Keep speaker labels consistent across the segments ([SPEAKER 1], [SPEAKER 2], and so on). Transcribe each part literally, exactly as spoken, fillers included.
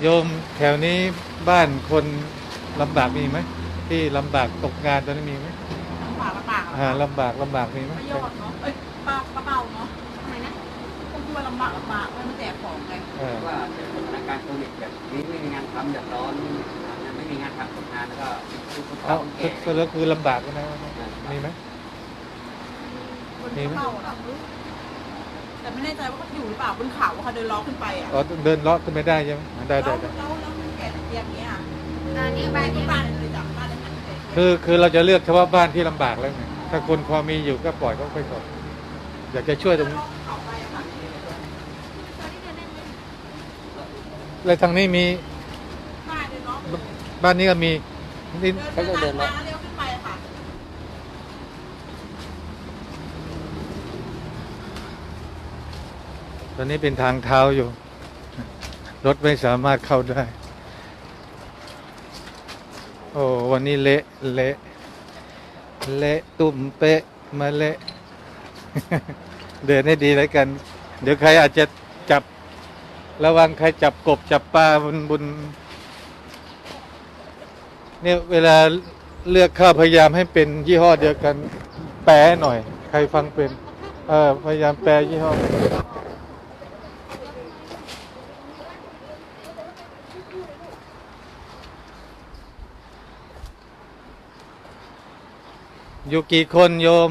[SPEAKER 1] โยมแถวนี้บ้านคนลำบากมีไหมที่ลำบากตกงานตอนนี้มีไหม
[SPEAKER 2] ลำบากลำบาก
[SPEAKER 1] อ่าลำบากลำบากมีไหม
[SPEAKER 2] ประโยชน์เนาะเอ้ยปลาปลาเบาเนาะทำไมนะก็คือว่าลำบากลำบากไม่มาแจกของไง
[SPEAKER 3] ว่าเป็นสถานการณ์โควิดแบบนี้ไม่มีงานทำเดือดร้อนไม่มีงานทำตกงานแล้วก็ทุกคน
[SPEAKER 1] เอา
[SPEAKER 3] แก่
[SPEAKER 1] ก็แล้วคือลำบากนะมีไหม
[SPEAKER 2] มีไหมแต่ไม่แน่ใจว่าเขาอยู่หรือเปล่าบนเขาว่าเขาเดินล้อขึ้นไปอ่ะ
[SPEAKER 1] อ๋อเดินเลาะขึ้นไม่ได้ใช่ไหมได้ได้ได้
[SPEAKER 2] แล้วแล้วแก่เตียงเนี้ย
[SPEAKER 4] อันนี้บ้านนี้
[SPEAKER 2] บ้านเลยจากบ้านเลย
[SPEAKER 1] คือคือเราจะเลือกเฉพาะบ้านที่ลำบากแล้วไงถ้าคนพอมีอยู่ก็ปล่อยเขาไปก่อนอยากจะช่วยตรงนี้แล้วทางนี้มีบ้านนี้ก็มีนี่
[SPEAKER 2] เขาจะเดินเลาะเลี้ยวขึ้นไปค่ะ
[SPEAKER 1] ตอนนี้เป็นทางเท้าอยู่รถไม่สามารถเข้าได้โอ้วันนี้เละเละเละตุ่มเป๊ะมาเละเดินให้ดีแล้วกันเดี๋ยวใครอาจจะจับระวังใครจับกบจับปลาบนบนเนี่ยเวลาเลือกข้าวพยายามให้เป็นยี่ห้อเดียวกันแปลหน่อยใครฟังเป็นเออพยายามแปลยี่ห้ออยู่กี่คนโยม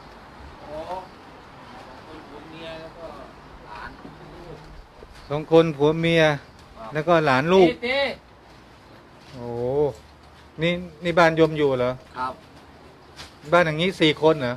[SPEAKER 1] สองคนผัวเมียแล้วก็หลานลูกโอ้นี่นี่บ้านโยมอยู่เหรอ
[SPEAKER 3] ครับ
[SPEAKER 1] บ้านอย่างนี้สี่คนเหรอ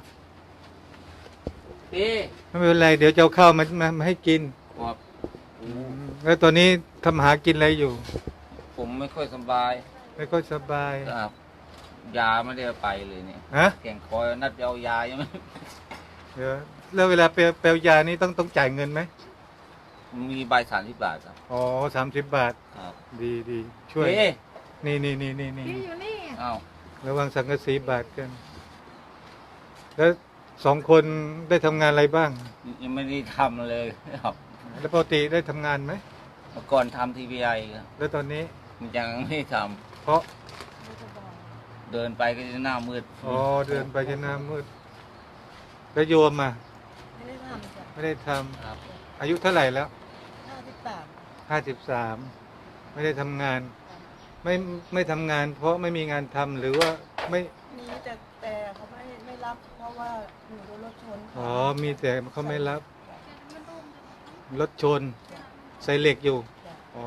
[SPEAKER 3] พี่
[SPEAKER 1] ไม่เป็นไรเดี๋ยวจะเอาข้าวมามามาให้กิน
[SPEAKER 3] ครับ
[SPEAKER 1] แล้วตอนนี้ทำหากินอะไรอยู่
[SPEAKER 3] ผมไม่ค่อยสบาย
[SPEAKER 1] ไม่ค่อยสบาย
[SPEAKER 3] ครับยาไม่ได้ไปเลยเนี่ย
[SPEAKER 1] ฮะ
[SPEAKER 3] แก่งคอยนัดเอายายังไม่
[SPEAKER 1] เดี๋ยวแล้วเวลาเปลเปลยานี่ต้องต้องจ่ายเงินไหม
[SPEAKER 3] มีใบสามสิบบาทครับ
[SPEAKER 1] อ๋อสามสิบบาท
[SPEAKER 3] ครับ
[SPEAKER 1] ดีดีช่วยนี่นี่นี่นี่นี่
[SPEAKER 4] อยู่นี่
[SPEAKER 3] อ้าว
[SPEAKER 1] ระวังสังกะสีบาทกันแล้วสองคนได้ทำงานอะไรบ้าง
[SPEAKER 3] ยังไม่ได้ทำเลยครับ
[SPEAKER 1] แล้วปกติได้ทำงานไหม
[SPEAKER 3] เมื่อก่อนทำทีวีไอครับ
[SPEAKER 1] แล้วตอนนี้
[SPEAKER 3] ยังไม่ทำ
[SPEAKER 1] เพราะ
[SPEAKER 3] เดินไปก็จะหน้ามืด
[SPEAKER 1] อ๋อเดินไปจะหน้ามืดแล้วโยมอ่ะ
[SPEAKER 2] ไม่ได้ทำจ้ะ
[SPEAKER 1] ไม่ได้ทำ
[SPEAKER 3] ครับ
[SPEAKER 1] อายุเท่าไหร่แล้ว
[SPEAKER 2] ห้าสิบสาม
[SPEAKER 1] ห้าสิบสามไม่ได้ทำงานไม่ไม่ทำงานเพราะไม่มีงานทำหรือว่าไม่
[SPEAKER 2] มีแต่แต่เขาไม่ไม่รับเพราะว่าหนูโดนรถชน
[SPEAKER 1] อ๋อมีแต่เขาไม่รับรถชนใส่เหล็กอยู่อ๋อ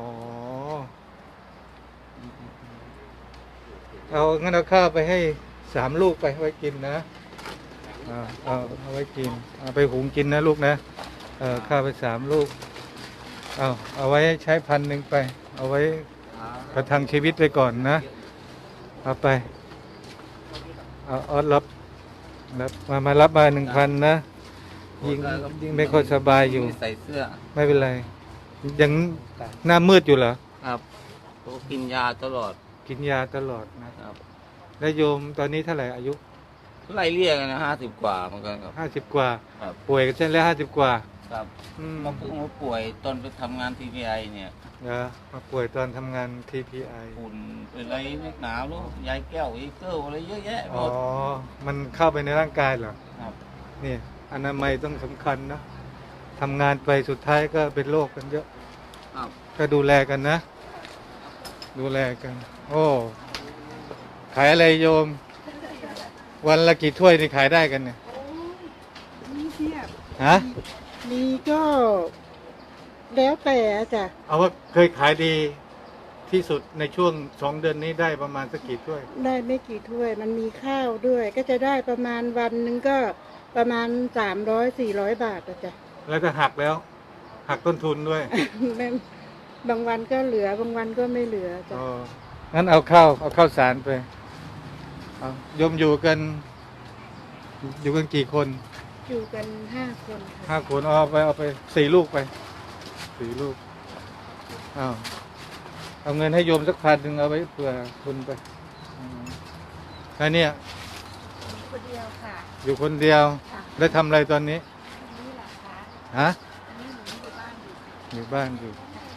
[SPEAKER 1] เอางั้นเอาข้าวไปให้สามลูกไปไว้กินนะเอาเอาเอาไว้กินเอาไปหุงกินนะลูกนะเออข้าวไปสามลูกเอาเอาไว้ใช้พันหนึ่งไปเอาไว้ประทังชีวิตไปก่อนนะเอาไปเอาออดรับรับมามารับมาหนึ่งพันนะยิ่งยิ่งไม่ค่อยสบายอยู่
[SPEAKER 3] ใส่เสื้อ
[SPEAKER 1] ไม่เป็นไรยังหน้ามืดอยู่เหรอ
[SPEAKER 3] ครับกินยาตลอด
[SPEAKER 1] กินยาตลอดนะครับแล้วโยมตอนนี้เท่าไหร่อายุ
[SPEAKER 3] ไล่เรียกกันนะห้าสิบกว่าเหมือนกันครับ
[SPEAKER 1] ห้าสิบกว่าป่วยกันเช่นแล้วห้าสิบกว่า
[SPEAKER 3] ครับมาเพิ่งมาป่วยตอนไปทำงานทีพีไอเนี่ย
[SPEAKER 1] เออมาป่วยตอนทำงานทีพีไอ
[SPEAKER 3] ฝุ่นเป็นอะไรนักหนาวลูกยายแก้วอีเกิลอะไรเยอะแยะ
[SPEAKER 1] อ๋อมันเข้าไปในร่างกายเหรอ
[SPEAKER 3] ครับ
[SPEAKER 1] นี่อนามัยต้องสำคัญนะทำงานไปสุดท้ายก็เป็นโรคกันเยอะ
[SPEAKER 3] ครับ
[SPEAKER 1] ก็ดูแลกันนะดูแลกันโอ้ขายอะไรโยมวันละกี่ถ้วยนี่ขายได้กันเนี่ย
[SPEAKER 2] มีเทียบ
[SPEAKER 1] ฮะ
[SPEAKER 2] มีก็แล้วแต่จ้ะ
[SPEAKER 1] เอาว่าเคยขายดีที่สุดในช่วงสองเดือนนี้ได้ประมาณสักกี่ถ้วย
[SPEAKER 2] ได้ไม่กี่ถ้วยมันมีข้าวด้วยก็จะได้ประมาณวันหนึ่งก็ประมาณสามร้อยสี่ร้อยบาทจ้ะ
[SPEAKER 1] แล้วก็หักแล้วหักต้นทุนด้วย
[SPEAKER 2] บางวันก็เหลือบางวันก็ไม่เหลือจ้ะ
[SPEAKER 1] อ๋องั้นเอาข้าวเอาข้าวสารไปเอาโยมอยู่กันอยู่กันกี่คน
[SPEAKER 2] อยู่กันห้าคน
[SPEAKER 1] ห้าคนเอาไปเอาไปสี่ลูกไปสี่ลูกอ้าวเอาเงินให้โยมสักพันหนึ่งเอาไว้เผื่อทุนไปอันนี้
[SPEAKER 2] อยู่คนเดียวค่ะ
[SPEAKER 1] อยู่คนเดียวได้ทำอะไรตอนนี้
[SPEAKER 2] นี่แหละค่ะ
[SPEAKER 1] ฮะ
[SPEAKER 2] อันนี้หนูอยู่บ้านอยู่
[SPEAKER 1] อยู่บ้านอยู่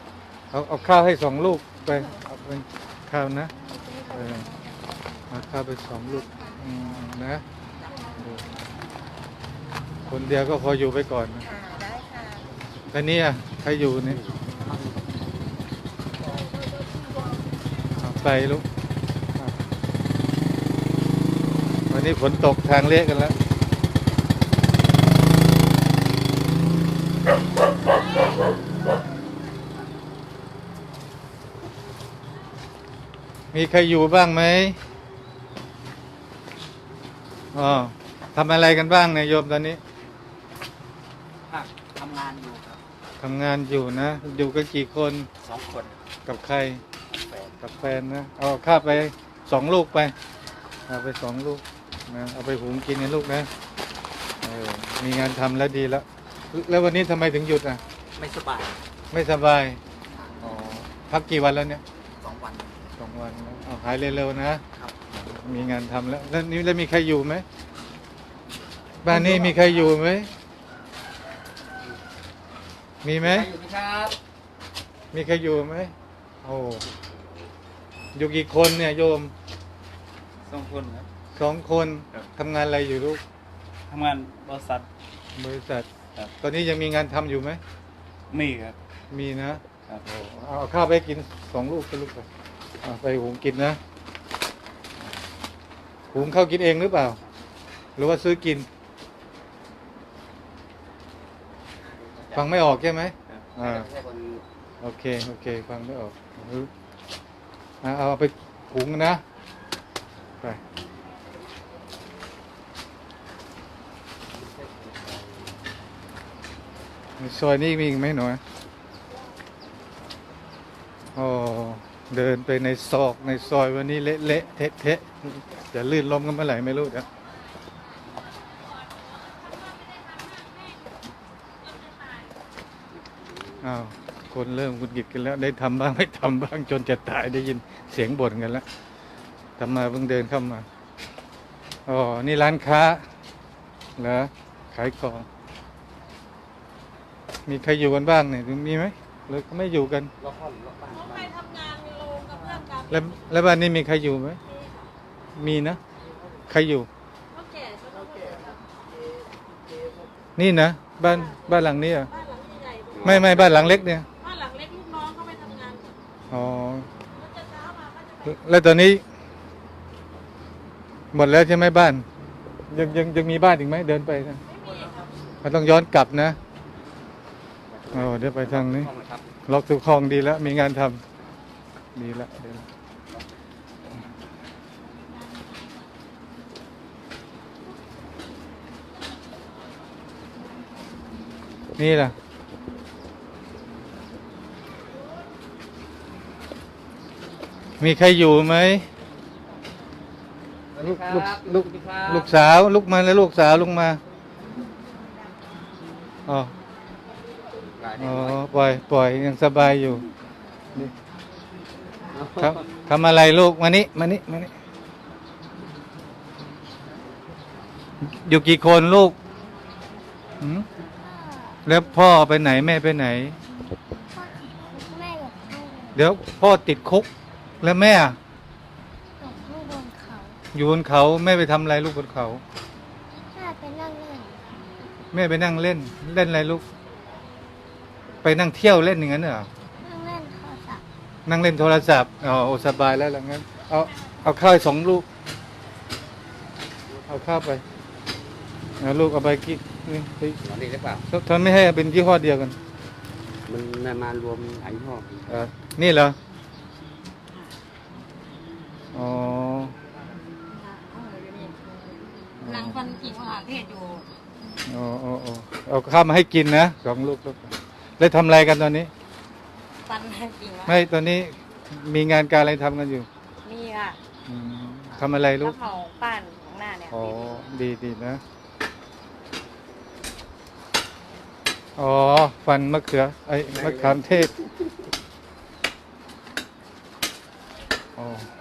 [SPEAKER 1] เอาเอาข้าวให้สองลูกไปเอาไปข้าวนะเออเอาข้าวไปสองลูกอืมนะคนเดียวก็พออยู่ไปก่อนนะ
[SPEAKER 2] ค่ะได้ค่ะ
[SPEAKER 1] แล้วนี่อ่ะใครอยู่นี่เอาไปลูกอ่ะวันนี้ฝนตกทางเละกันแล้วมีใครอยู่บ้างไหมอ๋อทำอะไรกันบ้างเนี่ยโยมตอนนี้
[SPEAKER 3] ครับทำงานอยู่ครับ
[SPEAKER 1] ทำงานอยู่นะ อยู่กันกี่คน
[SPEAKER 3] สองคน
[SPEAKER 1] กับใคร
[SPEAKER 3] แฟน
[SPEAKER 1] กับแฟนนะ เอาข้าวไปสองลูกไป เอาไปสองลูกนะ เอาไปหุงกินนะลูกนะเออมีงานทำแล้วดีแล้ว แล้ววันนี้ทำไมถึงหยุดอ่ะ
[SPEAKER 3] ไม่สบาย
[SPEAKER 1] ไม่สบาย อ๋อ พักกี่วันแล้วเนี่ย
[SPEAKER 3] สองวัน
[SPEAKER 1] สองวันแล้วเอาหายเร็วๆนะ มีงานทำแล้ว แล้วนี่แล้วมีใครอยู่ไหม บ้านนี้มีใครอยู่ไหม มีไหม
[SPEAKER 3] ใครอยู่ไหมครับ
[SPEAKER 1] มีใครอยู่ไหมโอ้อยู่กี่คนเนี่ยโยม
[SPEAKER 4] สองคนครับ
[SPEAKER 1] สองคน
[SPEAKER 4] ครับ
[SPEAKER 1] ทำงานอะไรอยู่ลูก
[SPEAKER 4] ทำงานบริษัท
[SPEAKER 1] บริษัท
[SPEAKER 4] ครับ
[SPEAKER 1] ตอนนี้ยังมีงานทำอยู่ไหม
[SPEAKER 4] มีครับ
[SPEAKER 1] มีนะครับ เอาเอาข้าวไปกินสองลูกไปลูกไปเอาไปหุงกินนะหุงข้าวกินเองหรือเปล่า หรือว่าซื้อกิน ฟังไม่ออกใช่ไหมอ่า
[SPEAKER 3] ไม่ใช่คน
[SPEAKER 1] โอเคโอเคฟังไม่ออกเอาเอาไปหุงนะไปในซอยนี้มีอีกไหมหน่อยอ๋อเดินไปในซอกในซอยวันนี้เละเละเทะเทะจะลื่นล้มกันเมื่อไหร่ไม่รู้นะอ้าวคนเริ่มหงุดหงิดกันแล้ว ได้ทำบ้างไม่ทำบ้างจนจะตายได้ยินเสียงบ่นกันแล้วทำมาเพิ่งเดินเข้ามาอ๋อนี่ร้านค้าเหรอขายของมีใครอยู่กันบ้างเนี่ยมีไหมหรือไม่อยู่กัน
[SPEAKER 3] ล็อกห้องล็อกบ้าน
[SPEAKER 5] เขาไปทำงานในโรงกับเพื่อนกัน
[SPEAKER 1] แล้วแล้วบ้านนี้มีใครอยู่ไหมมีนะใครอยู่
[SPEAKER 5] เขาแก่เขาต้องแก่ครับ
[SPEAKER 1] นี่นะบ้านบ้านหลังนี้เหรอ่ะ
[SPEAKER 5] บ้านหลังใหญ่ๆ
[SPEAKER 1] ไม่ไม่บ้านหลังเล็กเนี่ย
[SPEAKER 5] บ้านหลังเล็กลูกน้องเขาไปทำงานกัน
[SPEAKER 1] อ๋อ
[SPEAKER 5] แล้วจะเช้ามาก็จะไป
[SPEAKER 1] แล้วตอนนี้ หมดแล้วใช่ไหมบ้าน ยังยังยังมีบ้านอีกไหมเดินไปนะ
[SPEAKER 5] ไม่มีครับ
[SPEAKER 1] มันต้องย้อนกลับนะอ๋อเดี๋ยวไปทางนี้
[SPEAKER 3] ห้องนะครับ
[SPEAKER 1] ล็อกทุกห้องดีแล้ว มีงานทำดีแล้วดีแล้วนี่ล่ะ มีใครอยู่ไหม ลูกลูกลูกลูกสาวลูกมาแล้วลูกสาวลุกมาอ๋อ
[SPEAKER 3] หลาย
[SPEAKER 1] อ๋อ
[SPEAKER 3] เด็ก
[SPEAKER 1] ปล่อยปล่อยยังสบายอยู่นี่ครับทำอะไรลูกมานี่มานี่มานี่อยู่กี่คนลูกหืมแล้วพ่อไปไหนแม่ไปไหน
[SPEAKER 6] แม่อยู่ข้างบน
[SPEAKER 1] เดี๋ยวพ่อติดคุก แล้วแม่อะ
[SPEAKER 6] อยู่ข้างบนเขา
[SPEAKER 1] อยู่บนเขาแม่ไปทำอะไรลูกบนเขา
[SPEAKER 6] แม่ไปนั่งเล่น
[SPEAKER 1] แม่ไปนั่งเล่น เล่นอะไรลูก ไปนั่งเที่ยวเล่นอย่างนั้นเหรอ
[SPEAKER 6] นั่งเล่นโทรศัพท์
[SPEAKER 1] นั่งเล่นโทรศัพท์อ๋อโอ้สบายแล้วหลังนั้น เอาเอาข้าวให้สองลูก เอาข้าวไปเอาลูกเอาไปกินนี่ไป
[SPEAKER 3] นอนดีหรือเปล่า
[SPEAKER 1] ทำไม่ให้เป็นยี่ห้อเดียวกัน
[SPEAKER 3] มันมารวมหลายยี่ห้อ
[SPEAKER 1] เออนี่เหรอ อ๋อ
[SPEAKER 5] หลังคนกินอาหารเทศอยู่
[SPEAKER 1] อ๋ออ๋ออ๋อเอาข้าวมาให้กินนะสองลูกลูกแล้วทำอะไรกันตอนนี้
[SPEAKER 5] ปันให้กินวะ
[SPEAKER 1] ไม่ตอนนี้มีงานการอะไรทำกันอยู่
[SPEAKER 5] นี่ค่ะ
[SPEAKER 1] อืมทำอะไรลู
[SPEAKER 5] กะ
[SPEAKER 1] ก
[SPEAKER 5] เพราป้านของหน้าเนี่ย
[SPEAKER 1] อ๋อ ดีดีนะ อ๋อ ฟันมะเขือ ไอ้มะขามเทศ อ๋อ